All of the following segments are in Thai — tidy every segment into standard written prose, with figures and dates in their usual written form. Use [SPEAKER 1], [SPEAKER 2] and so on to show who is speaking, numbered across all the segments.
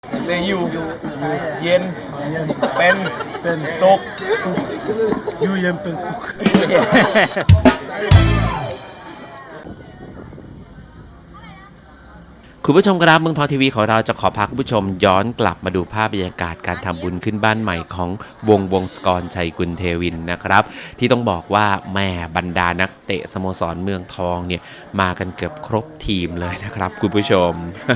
[SPEAKER 1] เซยูเย็นเป็นสุข
[SPEAKER 2] ยูเย็นเป็นสุข
[SPEAKER 3] คุณผู้ชมครับเมืองทองทีวีของเราจะขอพาคุณผู้ชมย้อนกลับมาดูภาพบรรยากาศการทำบุญขึ้นบ้านใหม่ของวงศกรชัยกุลเทวินนะครับที่ต้องบอกว่าแม่บรรดานักเตะสโมสรเมืองทองเนี่ยมากันเกือบครบทีมเลยนะครับคุณผู้ชม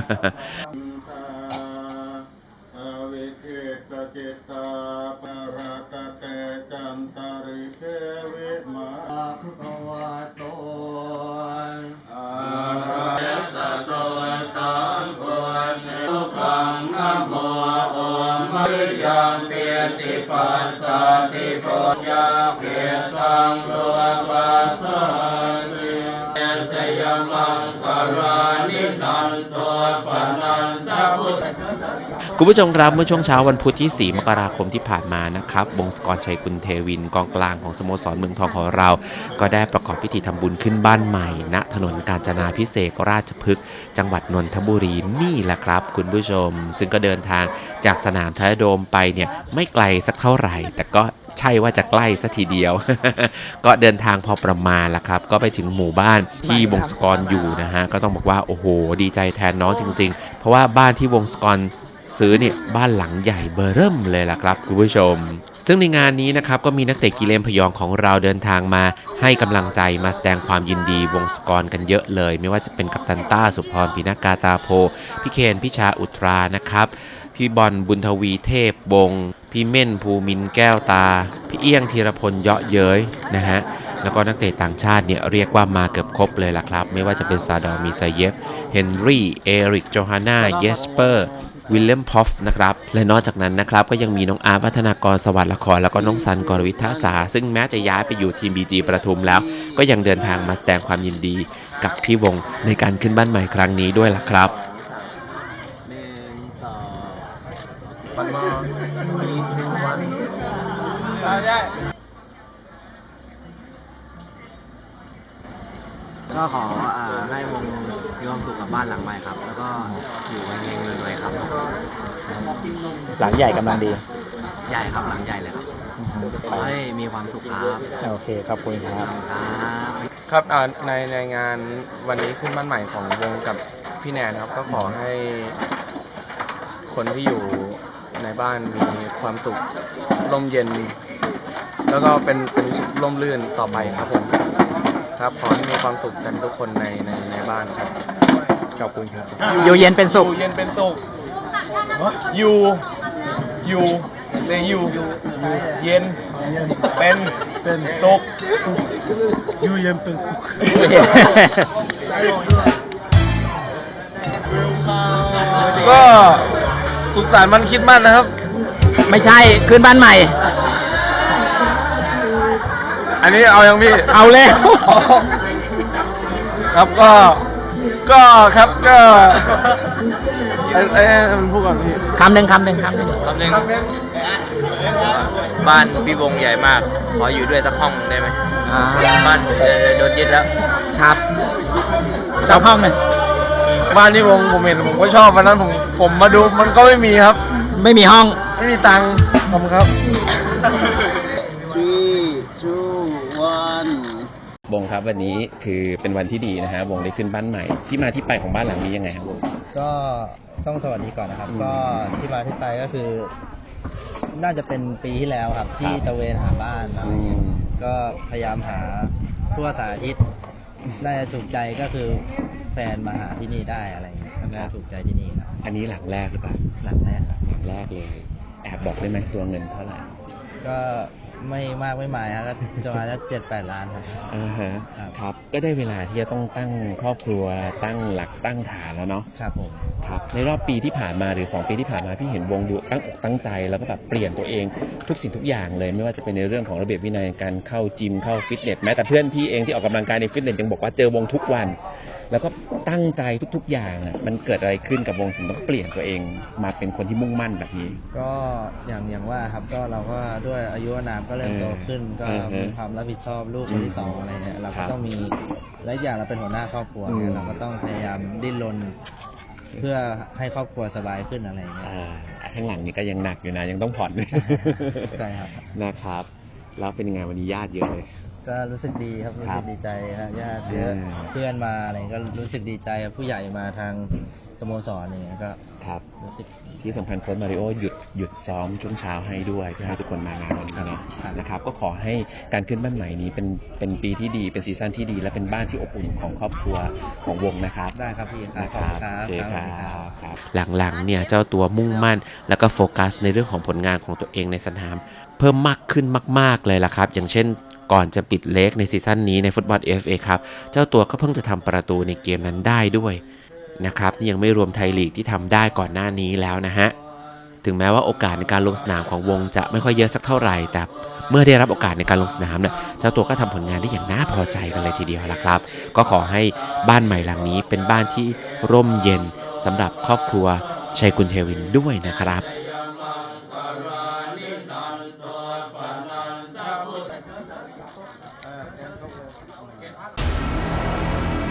[SPEAKER 4] ยังเปียติปัสสะติปุญญาเปียตังโลกัสสะติเอชยมังคารานินันโตปนันทพุทธ
[SPEAKER 3] คุณผู้ชมครับเมื่อช่วงเช้าวันพุธที่ 4 มกราคมที่ผ่านมานะครับวงศกรชัยกุลเทวินกองกลางของสโมสรเมืองทองของเรา ก็ได้ประกอบพิธีทำบุญขึ้นบ้านใหม่ณถนนกาญจนาภิเษกราชพฤกษ์จังหวัดนนทบุรีนี่แหละครับคุณผู้ชมซึ่งก็เดินทางจากสนามไทยโดมไปเนี่ยไม่ไกลสักเท่าไหร่ แต่ก็ใช่ว่าจะใกล้สักทีเดียว ก็เดินทางพอประมาณละครับก็ไปถึงหมู่บ้านที่วงศกรอยู่นะฮะก็ต้องบอกว่าโอ้โหดีใจแทนน้องจริงๆเพราะว่าบ้านที่วงศกรซื้อเนี่ยบ้านหลังใหญ่เบอร์เริ่มเลยล่ะครับคุณผู้ชมซึ่งในงานนี้นะครับก็มีนักเตะกีฬาพยองของเราเดินทางมาให้กำลังใจมาแสดงความยินดีวงศกรกันเยอะเลยไม่ว่าจะเป็นกัปตันต้าสุพรปินากาตาโพพี่เคนพิชาอุตรานะครับพี่บอลบุญทวีเทพวงศ์พี่เม่นภูมินแก้วตาพี่เอี้ยงธีรพลเยาะเย้ยนะฮะแล้วก็นักเตะต่างชาติเนี่ยเรียกว่ามาเกือบครบเลยล่ะครับไม่ว่าจะเป็นซาดอร์มิซาเยฟเฮนรี่เอริกโจฮาน่าเยสเปอร์วิลเลียมพอฟนะครับและนอกจากนั้นนะครับก็ยังมีน้องอาร์พัฒนากรสวัสดิ์ละครแล้วก็น้องซันกรวิทาสาซึ่งแม้จะย้ายไปอยู่ทีมบีจีประทุมแล้วก็ยังเดินทางมาแสดงความยินดีกับพี่วงในการขึ้นบ้านใหม่ครั้งนี้ด้วยล่ะครับ
[SPEAKER 5] ก็ขอให้วงมีความสุขกับบ้านหลังใหม่ครับแล้วก็อยู่เฮงๆรวยๆครับ
[SPEAKER 6] หลังใหญ่กำลังดี
[SPEAKER 5] ใหญ่ครับหลังใหญ่เลยครับขอให้มีความสุขครับ
[SPEAKER 6] โอเคขอบคุณครับ
[SPEAKER 1] ครับในงานวันนี้ขึ้นบ้านใหม่ของวงกับพี่แนนครับก็ขอให้คนที่อยู่ในบ้านมีความสุขร่มเย็นแล้วก็เป็นสุขร่มรื่นต่อไปครับผมครับขอให้มีความสุขกันทุกคนในบ้านครับ
[SPEAKER 6] ขอบคุณครับอยู่เย็นเป็นสุข
[SPEAKER 1] ยูเซยูเย็นเป็นสุข
[SPEAKER 2] ยูเย็นเป็นสุข
[SPEAKER 1] ก็สุขสันต์วันคริสต์มาสนะครับ
[SPEAKER 6] ไม่ใช่ขึ้นบ้านใหม่
[SPEAKER 1] อันนี้เอายังพี่
[SPEAKER 6] เอาแล้ว
[SPEAKER 1] ครับก็ครับก็มันพูดก่อนพี่
[SPEAKER 6] คำหนึ่ง
[SPEAKER 4] บ้านพี่วงใหญ่มากขออยู่ด้วยสักห้องได้ไหมบ้านผมโดนยึดแล้ว
[SPEAKER 6] ครับสักห้องหนึ่ง
[SPEAKER 1] บ้านที่วงผมเห็นผมก็ชอบวันนั้นผมมาดูมันก็ไม่มีครับ
[SPEAKER 6] ไม่มีห้อง
[SPEAKER 1] ไม่มีตังค์ขอบคุณครับ
[SPEAKER 3] วงครับวันนี้คือเป็นวันที่ดีนะฮะวงได้ขึ้นบ้านใหม่ที่มาที่ไปของบ้านหลังนี้ยังไงครับวง
[SPEAKER 5] ก็ต้องสวัสดีก่อนนะครับก็ที่มาที่ไปก็คือน่าจะเป็นปีที่แล้วครับที่ตะเวนหาบ้านอะไรเงี้ยก็พยายามหาทั่วสารทิศน่าจะถูกใจก็คือแฟนมาหาที่นี่ได้อะไรเงี้ยน่าจะถูกใจที่นี่ครับ
[SPEAKER 3] อันนี้หลังแรกหรือเปล่า
[SPEAKER 5] หลังแรกครับ
[SPEAKER 3] หลังแรกเลยแอบบอกได้ไหมตัวเงินเท่าไหร่
[SPEAKER 5] ก็ไม่มากไม่หมายครับก็จะมาสัก7-8 ล้านครับ
[SPEAKER 3] ครับก็ได้เวลาที่จะต้องตั้งครอบครัวตั้งหลักตั้งฐานแล้วเนาะ
[SPEAKER 5] ครับผม
[SPEAKER 3] ครับในรอบปีที่ผ่านมาหรือ2 ปีที่ผ่านมาพี่เห็นวงดูตั้งอกตั้งใจแล้วก็แบบเปลี่ยนตัวเองทุกสิ่งทุกอย่างเลยไม่ว่าจะเป็นในเรื่องของระเบียบวินัยการเข้าจิมเข้าฟิตเนสแม้แต่เพื่อนพี่เองที่ออกกำลังกายในฟิตเนสยังบอกว่าเจอวงทุกวันแล้วก็ตั้งใจทุกๆอย่างมันเกิดอะไรขึ้นกับวงถึงต้องเปลี่ยนตัวเองมาเป็นคนที่มุ่งมั่นแบบนี้
[SPEAKER 5] ก็อย่างว่าครับก็เราก็ด้วยอายุอานามก็เริ่มโตขึ้นก็มีความรับผิดชอบลูกคนที่2อะไรเนี่ยเราก็ต้องมีและอย่างเราเป็นหัวหน้าครอบครัวเนี่ยเราก็ต้องพยายามดิ้นรนเพื่อให้ครอบครัวสบายขึ้นอะไรอย่างเงี้ย
[SPEAKER 3] ข้างหลังนี่ก็ยังหนักอยู่นะยังต้องผ่อน
[SPEAKER 5] ใช่ครับ
[SPEAKER 3] นะครับ แล้วเป็นยังไงวันนี้ญาติเยอะเลย
[SPEAKER 5] ก็รู้สึกดีครับรู้
[SPEAKER 3] ครั
[SPEAKER 5] สึ
[SPEAKER 3] บ
[SPEAKER 5] กดีใจครับญาติเยอะ เพื่อนมาอะไรก็รู้สึกดีใจครับผู้ใหญ่มาทางสโมสรอย่างเงี้ยก็
[SPEAKER 3] ครับ
[SPEAKER 5] รู้สึก
[SPEAKER 3] ที่สำคัญโค้ชมาริโอหยุดซ้อมช่วงเช้าให้ด้วยเพื่อให้ทุกคนมางานวันนี้นะครับ นะครับ ก็ขอให้การขึ้นบ้านใหม่นี้เป็นปีที่ดีเป็นซีซั่นที่ดี และเป็นบ้านที่อบอุ่นของครอบครัวของวงนะครับ
[SPEAKER 5] ได้ครับพี่ครับ
[SPEAKER 3] นะ
[SPEAKER 5] ข
[SPEAKER 3] ค
[SPEAKER 5] อบ
[SPEAKER 3] รั
[SPEAKER 5] คุ
[SPEAKER 3] บ
[SPEAKER 5] ณครับ
[SPEAKER 3] โอเค
[SPEAKER 5] ครับ
[SPEAKER 3] ครับ หลังๆเนี่ยเจ้าตัวมุ่งมั่นแล้วก็โฟกัสในเรื่องของผลงานของตัวเองในสนาม เพิ่มมากขึ้นมากๆเลยล่ะครับ อย่างเช่นก่อนจะปิดเล็กในซีซั่นนี้ในฟุตบอล FA ครับเจ้าตัวก็เพิ่งจะทำประตูในเกมนั้นได้ด้วยนะครับนี่ยังไม่รวมไทยลีกที่ทำได้ก่อนหน้านี้แล้วนะฮะถึงแม้ว่าโอกาสในการลงสนามของวงจะไม่ค่อยเยอะสักเท่าไหร่แต่เมื่อได้รับโอกาสในการลงสนามเนี่ยเจ้าตัวก็ทำผลงานได้อย่างน่าพอใจกันเลยทีเดียวละครับก็ขอให้บ้านใหม่หลังนี้เป็นบ้านที่ร่มเย็นสำหรับครอบครัวชัยกุลเทวินด้วยนะครับ
[SPEAKER 4] เ